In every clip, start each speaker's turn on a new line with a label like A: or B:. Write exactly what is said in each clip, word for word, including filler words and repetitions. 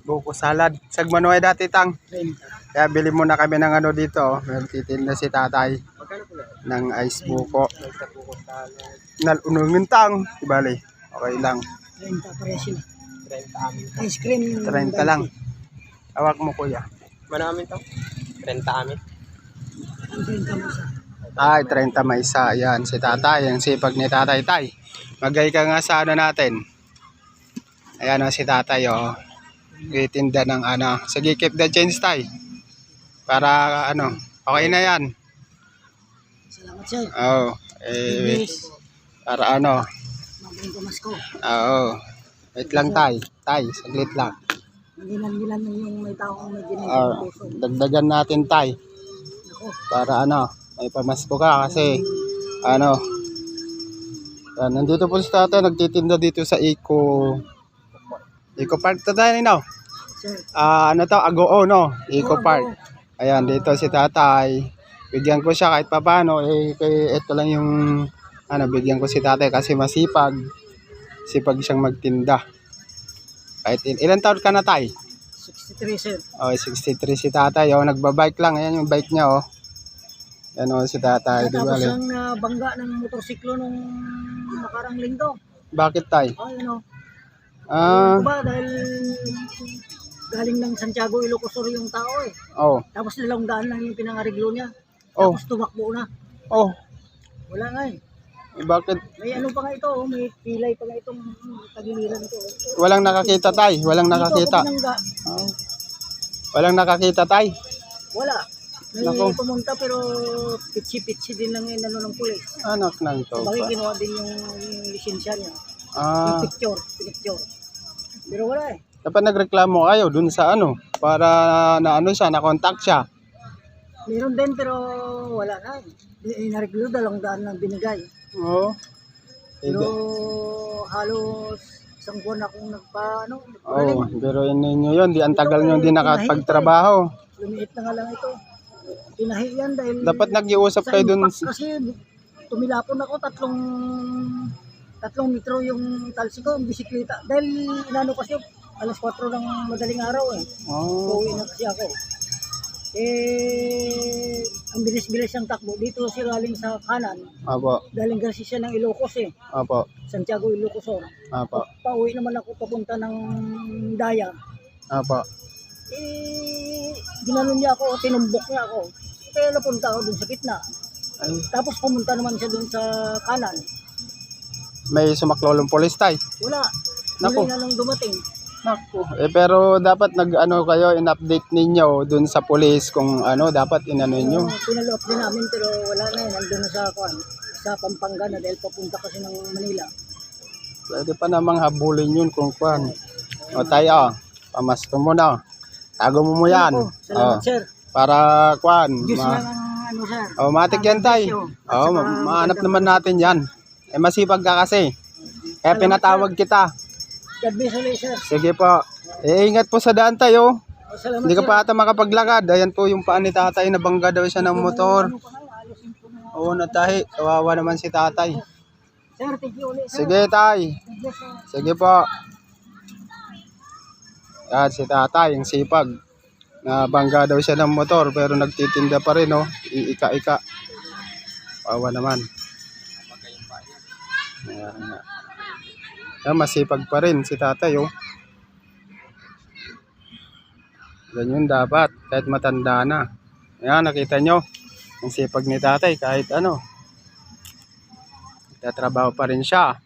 A: buko salad. Sagmanoy dati tang.
B: trenta.
A: Kaya bili muna kami ng ano dito. Oh. Meron titinda si tatay ng ice buko. Nalunungin tang. Ibali. Okay lang.
B: trenta pares sila. trenta amin. Ice cream.
A: trenta lang. Hawak mo kuya.
B: Manamin to? trenta amin. Ang trenta mo sa.
A: Ay, trenta may isa. Ayan, si tatay. Ang sipag ni tatay. Tay, magay ka nga sa ano natin. Ayan o, si tatay o. Itinda ng ano. Sige, keep the change tay. Para ano. Okay na yan.
B: Salamat sir.
A: Oo. Eh, para ano.
B: Magaling pamasko.
A: Oo. Wait lang tay. Tay, saglit lang.
B: Magilan-gilan yung may taong may ginagawa
A: Oo.
B: ng puso.
A: Dagdagan natin tay.
B: Ako.
A: Para ano. May pamasko ka kasi ano. Yan, nandito po si tatay. Nagtitinda dito sa Eco. Eco Park to tayo no?
B: Sir.
A: Ah, ano to? Agoo no? Eco
B: Oo,
A: Park.
B: Agoo.
A: Ayan, dito si tatay. Bigyan ko siya kahit papano. Eh, kay, ito lang yung, ano, bigyan ko si tatay kasi masipag. Sipag siyang magtinda. Kahit il ilan taon ka na tay?
B: sixty-three sir.
A: Oh, sixty-three si tatay. Oh, nagbabike lang. Ayan yung bike niya, oh. Ayan, oh, si tatay. Di ba?
B: Tapos lang na bangga ng motorsiklo nung nakarang linggo.
A: Bakit tay?
B: Oh, yun o.
A: Ah,
B: Diba dahil galing ng Santiago, Ilocos Sur yung tao eh.
A: oh.
B: Tapos dalawang daan lang yung pinangariglo niya.
A: Oh.
B: Tapos tumakbo na.
A: Oh,
B: Wala nga eh.
A: eh, bakit?
B: May ano pa nga ito, oh, may pilay pa nga itong tagiliran ito. Oh.
A: Walang nakakita tay. Walang nakakita.
B: Dito ako binangga.
A: Oh. Walang nakakita tay.
B: Wala. May
A: Nako.
B: pumunta pero pitsi-pitsi din lang yung ano ng pulis.
A: Anak ng to.
B: Bakit ginawa din yung, yung lisensya niya.
A: Ah,
B: Yung picture, picture. Pero wala eh.
A: dapat nagreklamo kayo dun sa ano para na ano siya, na-contact siya.
B: Meron din pero wala na. Di- Inareglo, dalawang daan lang binigay.
A: Oo.
B: Pero
A: Oh.
B: halos isang buwan akong nagpa, ano,
A: Oh,
B: nagpaling.
A: pero ninyo yun, di ang tagal nyo di nakapagtrabaho.
B: Lumiit na nga lang ito. Tinahi yan dahil
A: Dapat nag-iusap
B: sa
A: kayo dun.
B: impact kasi tumilapon ako tatlong tatlong metro yung talsi ko, yung bisikleta. Dahil inano kasi alas kwatro ng madaling araw eh.
A: Oh,
B: Uuwi na kasi ako. Eh, ang bilis-bilis ng takbo. Dito si galing sa kanan.
A: apo,
B: Galing kasi siya ng Ilocos eh.
A: apo,
B: Santiago, Ilocos Sur.
A: apo,
B: Pauwi naman ako papunta ng Daya.
A: apo.
B: Eh, ginanon niya ako, tinumbok niya ako. Kaya napunta ako dun sa gitna.
A: Ay,
B: Tapos pumunta naman siya dun sa kanan.
A: may sumaklolong polis tay.
B: Wala.
A: Naku.
B: Huli na lang dumating.
A: Naku. Eh pero dapat nag-ano kayo, in-update ninyo dun sa polis kung ano, dapat inano nyo.
B: Uh, pinalo-up din namin pero wala na yun. Nandun na sa, kuan, sa Pampanga na dahil papunta kasi ng Manila.
A: Pwede pa namang habulin yun kung kwan. O tayo, pamasko mo na. Tago mo mo yan.
B: Ako, salamat
A: Oh,
B: sir.
A: para kwan.
B: Diyos
A: Ma-
B: lang ang ano sir.
A: oh, matik yan tay.
B: At
A: Oh,
B: saka
A: ma- mahanap
B: magandang-
A: naman natin yan. Eh masipag ka kasi. Kaya
B: Salamat,
A: pinatawag kita.
B: God bless ulit sir.
A: Sige po. Eh, ingat po sa daan tayo.
B: Oh, salamat
A: Hindi ka
B: sir.
A: pa ata makapaglakad. Ayan po yung paan ni tatay. Nabangga daw siya ng motor.
B: Ano pa nga, alisin ko na.
A: Oo, natahi. Kawawa naman si tatay.
B: Sir, thank you ulit sir.
A: Sige tay.
B: God bless sir.
A: Sige po. Yan si tatay. Yung sipag. Nabangga daw siya ng motor. Pero nagtitinda pa rin. Oh. Iika-ika. Kawawa naman. Ayan nga. Yan, masipag pa rin si tatay. Oh. Ganyan dapat, kahit matanda na. Ayan, nakita nyo. Ang sipag ni tatay, kahit ano. Tatrabaho pa rin siya.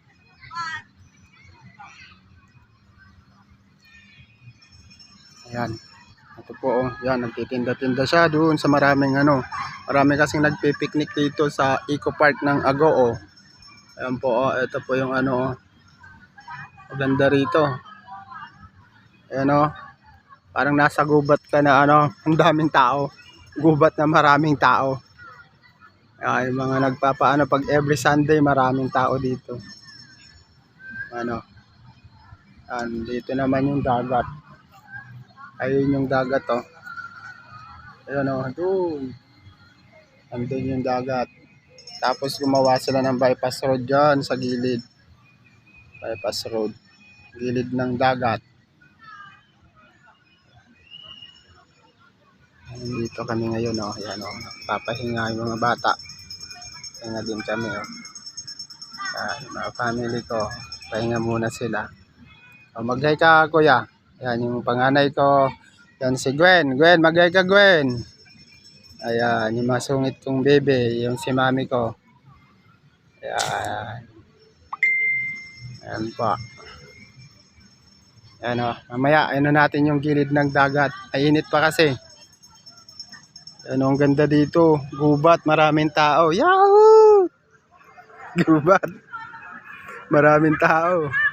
A: Ayan. Ito po, oh. Yan, nagtitinda-tinda siya doon sa maraming ano. Marami kasing nagpipiknik dito sa Eco Park ng Agoo. Ayan po, oh. Ito po yung ano, oh. Maganda rito. Ayan, oh. Parang nasa gubat ka na ano, ang daming tao. Gubat na maraming tao. Ay, mga nagpapaano pag every Sunday maraming tao dito. Ano? Yan, dito naman yung dagat. Ayun yung dagat oh. Ayun oh, doon. Andun yung dagat. Tapos gumawa sila ng bypass road dyan sa gilid. Bypass road. Gilid ng dagat. Dito kami ngayon, oh. Yan, oh. Papahinga yung mga bata. Pahinga din kami, oh. Yan, yung mga family ko. Pahinga muna sila. Oh, mag-hi ka, kuya. Yan, yung panganay ko. Yan si Gwen. Gwen, mag-hi ka, Gwen. Ayan, yung masungit kong bebe. Yung si mami ko. Ayan. Ayan po. Ayan, oh. Mamaya, ano natin yung gilid ng dagat. Ay, init pa kasi. Ano, ang ganda dito. Gubat, maraming tao. Yahoo! Gubat. Maraming tao.